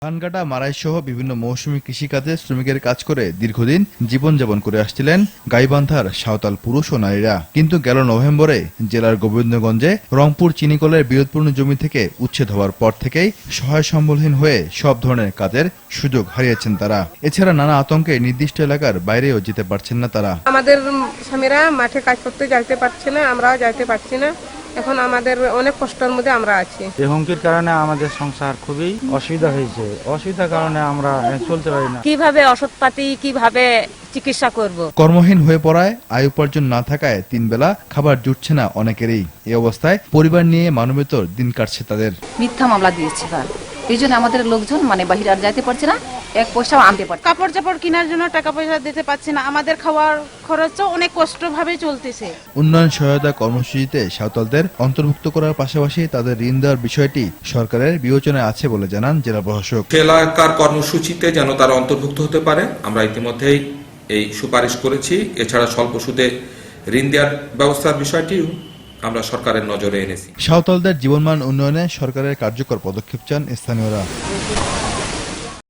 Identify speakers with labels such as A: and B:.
A: ধান কাটা, মাড়াই সহ বিভিন্ন মৌসুমী কৃষিকাজে শ্রমিকের কাজ করে দীর্ঘদিন জীবনযাপন করে আসছিলেন গাইবান্ধার সাঁওতাল পুরুষ ও নারীরা। কিন্তু গেল নভেম্বরে জেলার গোবিন্দগঞ্জে রংপুর চিনিকলের বিরোধপূর্ণ জমি থেকে উচ্ছেদ হওয়ার পর থেকেই সহায় সম্বলহীন হয়ে সব ধরনের কাজের সুযোগ হারিয়েছেন তারা। এছাড়া নানা আতঙ্কে নির্দিষ্ট এলাকার বাইরেও যেতে পারছেন না তারা।
B: আমাদের স্বামীরা মাঠে কাজ করতে যাইতে পারছে না, আমরাও যাইতে পারছি না। এখন আমাদের অনেক কষ্টের মধ্যে আমরা আছি।
C: এই হুমকির কারণে আমাদের সংসার খুবই অসুবিধা হয়েছে। অসুবিধার কারণে আমরা চলতে পারি না।
D: কিভাবে ওষুধপাতি, কিভাবে চিকিৎসা করব।
A: কর্মহীন হয়ে পড়ায় আয় উপার্জন না থাকায় 3 বেলা খাবার জুটছে না অনেকেরই। এই অবস্থায় পরিবার নিয়ে মানবেতর দিন কাটছে তাদের।
E: মিথ্যা মামলা দিয়েছে তার, এই জন্য আমাদের লোকজন বাহিরে আর যাইতে পারছে না, এক পয়সাও আনতে পারছে।
F: কাপড় চাপড় কেনার জন্য টাকা পয়সা দিতে পারছি না, আমাদের খাওয়ার খরচও অনেক কষ্টভাবে চলতেছে।
A: উন্নয়ন সহায়তা কর্মসূচিতে সাঁওতালদের অন্তর্ভুক্ত করার পাশাপাশি তাদের ঋণ দেওয়ার বিষয়টি সরকারের বিবেচনায় আছে বলে জানান জেলা প্রশাসক।
G: এলাকার কর্মসূচিতে যেন তারা অন্তর্ভুক্ত হতে পারে, আমরা ইতিমধ্যেই এই সুপারিশ করেছি। এছাড়া স্বল্প সুদে ঋণ দেওয়ার ব্যবস্থার বিষয়টিও আমরা সরকারের নজরে এনেছি।
A: সাঁওতালদের জীবনমান উন্নয়নে সরকারের কার্যকর পদক্ষেপ চান স্থানীয়রা।